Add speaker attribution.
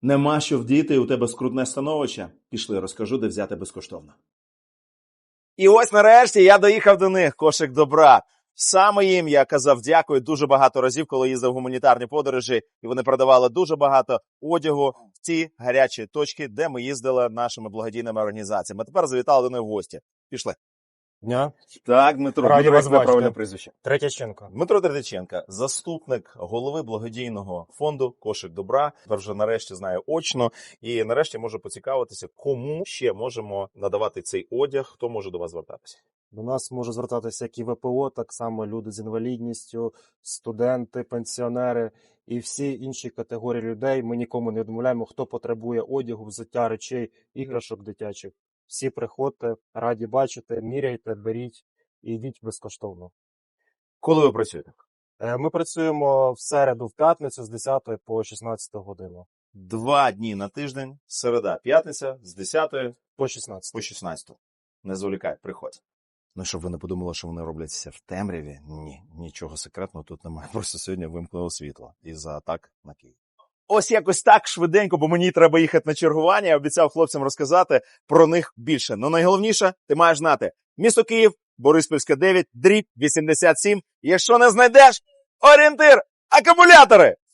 Speaker 1: Нема що вдіти, і у тебе скрутне становище? Пішли, розкажу, де взяти безкоштовно. І ось нарешті я доїхав до них, кошик добра. Саме їм я казав дякую дуже багато разів, коли їздив в гуманітарні подорожі, і вони продавали дуже багато одягу в ті гарячі точки, де ми їздили нашими благодійними організаціями. А тепер завітали до них в гості. Пішли.
Speaker 2: Дня.
Speaker 1: Так, Дмитро,
Speaker 2: Раді вас бачити.
Speaker 1: правильне прізвище.
Speaker 2: Третяченко.
Speaker 1: Дмитро Третяченко, заступник голови благодійного фонду «Кошик добра». Тепер вже нарешті знаю очно і нарешті можу поцікавитися, кому ще можемо надавати цей одяг, хто може до вас звертатися.
Speaker 2: До нас може звертатися як і ВПО, так само люди з інвалідністю, студенти, пенсіонери і всі інші категорії людей. Ми нікому не відмовляємо, хто потребує одягу, взуття, речей, іграшок дитячих. Всі приходьте, раді бачити, міряйте, беріть і йдіть безкоштовно.
Speaker 1: Коли ви працюєте?
Speaker 2: Ми працюємо в середу, в п'ятницю з 10 по 16 годину.
Speaker 1: 2 дні на тиждень, середа, п'ятниця, з 10
Speaker 2: По 16.
Speaker 1: по 16. Не зволікай, приходь. Ну, щоб ви не подумали, що вони роблять це в темряві. Ні, нічого секретного тут немає. Просто сьогодні вимкнуло світло із-за атак на Київ. Ось якось так швиденько, бо мені треба їхати на чергування. Я обіцяв хлопцям розказати про них більше. Ну найголовніше, ти маєш знати. Місто Київ, Бориспільська 9, дріб 87. Якщо не знайдеш, орієнтир, акумулятори!